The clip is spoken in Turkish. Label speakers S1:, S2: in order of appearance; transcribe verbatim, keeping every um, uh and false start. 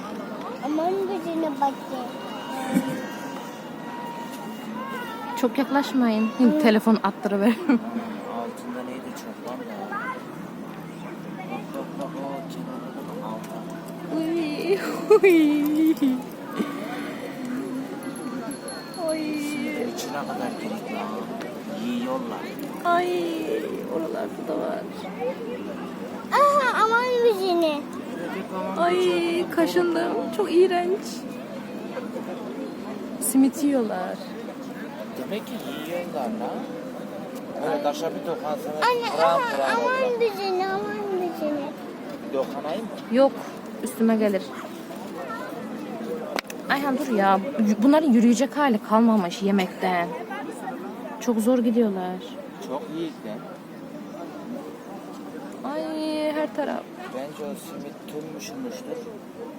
S1: Aman gözüne bakayım.
S2: Çok yaklaşmayın. Şimdi telefon attırıveririm.
S3: Altında neydi çok var ya. Bak bak bak o kenarında altı.
S2: Uy, uy. Ay.
S3: İçine kadar gerek ya. Yiyorlar.
S2: Ay, oralarda da var.
S1: Aha aman gözüne.
S2: Ay, kaşındım. Çok iğrenç. Simit yiyorlar.
S3: Demek ki yiyorlar lan. Böyle taşa bir dokansanız
S1: Anne
S3: kıran
S1: aha
S3: kıran olur.
S1: aman gözüne aman gözüne.
S3: Dokanayım mı?
S2: Yok, üstüme gelir. Ayhan dur ya. Bunların yürüyecek hali kalmamış yemekten. Çok zor gidiyorlar.
S3: Çok iyi de.
S2: Ay, her taraf.
S3: Bence o simit tümmüşmüştür.